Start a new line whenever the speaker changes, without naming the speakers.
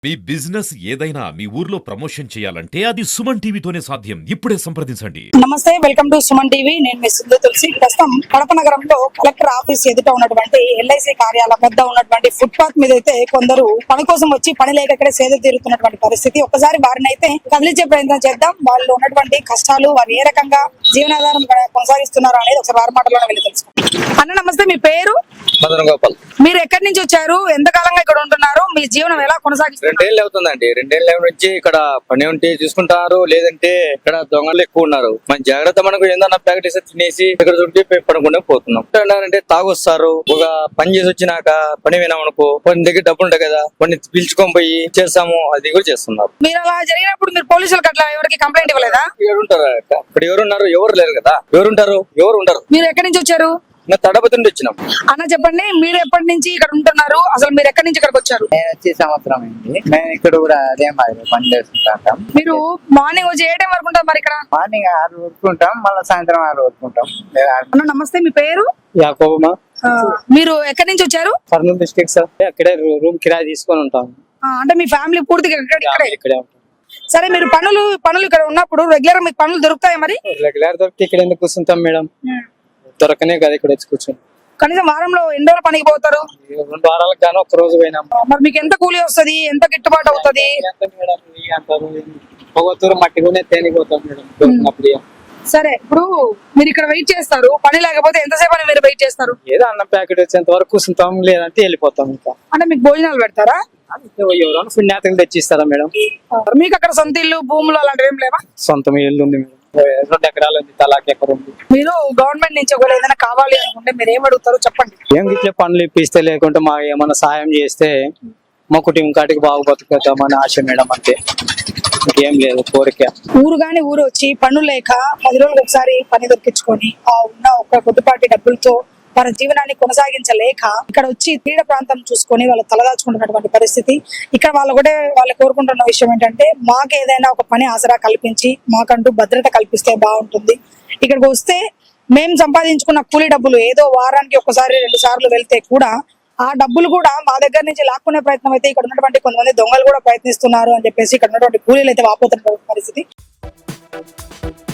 మీ business ఏదైనా మీ ఊర్లో promotion చేయాలంటే అది సుమన్ టీవీతోనే సాధ్యం. ఇప్పుడే సంప్రదించండి.
నమస్తే, వెల్కమ్ టు సుమన్ టీవీ. నేను మీ సుందర తులసి. ప్రస్తుతం కడప నగరంలో కలెక్టర్ ఆఫీస్ ఎదుట ఉన్నటువంటి ఎల్ఐసి కార్యాలయం వద్ద ఉన్నటువంటి ఫుట్పాత్ మీద అయితే కొందరు పని కోసం వచ్చి పని లేక ఇక్కడ సేద తీరుతున్నటువంటి పరిస్థితి. ఒకసారి వారిని అయితే కదిలించే ప్రయత్నం చేద్దాం. వాళ్ళు ఉన్నటువంటి కష్టాలు, వారు ఏ రకంగా జీవనాధారం కొనసాగిస్తున్నారు అనేది ఒకసారి వారి మాటలోనే వెళ్ళి తెలుసుకుంటాం. అన్న నమస్తే, మీ పేరు?
మదన్ గోపాల్.
మీరు ఎక్కడి నుంచి వచ్చారు? ఎంతకాలంగా ఇక్కడ ఉంటున్నారు? మీ జీవనం ఎలా కొనసాగిస్తారు?
2 ఏళ్ళు అవుతుందండి. 2 ఏళ్ళ నుంచి ఇక్కడ పని ఉంటే చూసుకుంటారు, లేదంటే ఇక్కడ దొంగలు ఎక్కువ ఉన్నారు. మన జాగ్రత్త మనకు ఏందన్నా ప్యాకెట్ వేసి తినేసి ఇక్కడ చుట్టి పడుకుంటే పోతున్నాం. అంటే తాగొస్తారు. ఒక పని చేసి వచ్చినాక పని వినామనుకో, కొన్ని దగ్గర డబ్బులు ఉంటాయి కదా, కొన్ని పిలుచుకొని పోయి చేస్తాము, అది కూడా చేస్తున్నారు.
మీరు అలా జరిగినప్పుడు మీరు పోలీసులకు అట్లా ఎవరికి కంప్లైంట్ ఇవ్వలేదా?
ఇక్కడ ఉంటారు, ఇక్కడ ఎవరున్నారు? ఎవరు లేరు కదా. ఎవరుంటారు? ఎవరు ఉండరు.
మీరు ఎక్కడి నుంచి వచ్చారు?
తడపతి నుండి వచ్చినాం.
అన్న చెప్పండి, మీరు ఎప్పటి నుంచి ఇక్కడ ఉంటున్నారు? అసలు మీరు ఎక్కడి నుంచి ఇక్కడికి వచ్చారు?
నేను వచ్చి సంవత్సరం అయింది. మేము ఇక్కడ కూడా అదే మాదిరి పని చేసుకుంటాం.
మీరు మార్నింగ్ వచ్చి ఏ టైం వరకు ఉంటారు మరి ఇక్కడ?
మార్నింగ్ 6 వరకు ఉంటాం, మళ్ళీ సాయంత్రం 6 వరకు ఉంటాం.
అన్న నమస్తే, మీ పేరు?
యాకోబమ్మా.
మీరు ఎక్కడి నుంచి వచ్చారు?
Kurnool district sir. అక్కడే రూమ్ కిరాయి తీసుకొని ఉంటాం.
అంటే మీ ఫ్యామిలీ పూర్తిగా
ఇక్కడే ఉంటాం.
సరే, మీరు పనులు ఇక్కడ ఉన్నప్పుడు రెగ్యులర్ మీకు పనులు దొరుకుతాయి మరి?
రెగ్యులర్ దొరికి ఇక్కడ ఎందుకు కూర్చుంటాం మేడం? దొరకనే కదా ఇక్కడ వచ్చి కూర్చొని.
కనీసం వారంలో ఎన్ని రోజులు పనికి పోతారు?
2 వారాలకు గాను 1 రోజు పోయినాం.
మరి మీకు ఎంత కూలీ వస్తుంది? ఎంత గిట్టుబాటు అవుతుంది?
పొగతూరు మట్టి కూడా తేనిపోతాం మేడం దొరికినప్పుడు.
సరే, ఇప్పుడు మీరు ఇక్కడ వెయిట్ చేస్తారు, పని లేకపోతే ఎంతసేపు అని మీరు వెయిట్ చేస్తారు?
ఏదో అన్నం ప్యాకెట్ వచ్చేంత వరకు కూర్చుంటాం, లేదంటే వెళ్ళిపోతాం. ఇంకా
అంటే మీకు భోజనాలు పెడతారా?
ఎవరైనా పుణ్యాతలు తెచ్చిస్తారా మేడం?
మీకు అక్కడ సొంత ఇల్లు, భూములు అలాంటివి ఏం లేవా?
సొంతం ఇల్లు ఉంది మేడం. 2 ఎకరాలు ఉంది, తలాకి ఎకరం ఉంది.
మీరు గవర్నమెంట్ నుంచి ఒకవేళ ఏదైనా కావాలి అనుకుంటే మీరు ఏం అడుగుతారు చెప్పండి.
ఏం ఇట్లా పనులు ఇప్పిస్తే, లేకుంటే మా ఏమన్నా సాయం చేస్తే మా కుటుంబం కాటికి బాగా బతుకుతామని ఆశ మేడం. అంతే, ఇంకేం లేదు కోరిక.
ఊరు గాని ఊరు వచ్చి పనులు లేక 10 రోజులకు ఒకసారి పని దొరికించుకొని ఆ ఉన్న ఒక కొద్దిపాటి డబ్బులతో వారి జీవనాన్ని కొనసాగించలేక ఇక్కడ వచ్చి తీర ప్రాంతం చూసుకొని వాళ్ళు తలదాచుకుంటున్నటువంటి పరిస్థితి. ఇక్కడ వాళ్ళు కోరుకుంటున్న విషయం ఏంటంటే, మాకు ఏదైనా ఒక పని ఆసరా కల్పించి మాకంటూ భద్రత కల్పిస్తే బాగుంటుంది. ఇక్కడికి వస్తే మేము సంపాదించుకున్న కూలీ డబ్బులు ఏదో వారానికి 1 సారి 2 సార్లు వెళ్తే కూడా ఆ డబ్బులు కూడా మా దగ్గర నుంచి లాక్కునే ప్రయత్నం అయితే ఇక్కడ ఉన్నటువంటి కొంతమంది దొంగలు కూడా ప్రయత్నిస్తున్నారు అని చెప్పేసి ఇక్కడ ఉన్నటువంటి కూలీలు అయితే వాపోతున్న పరిస్థితి.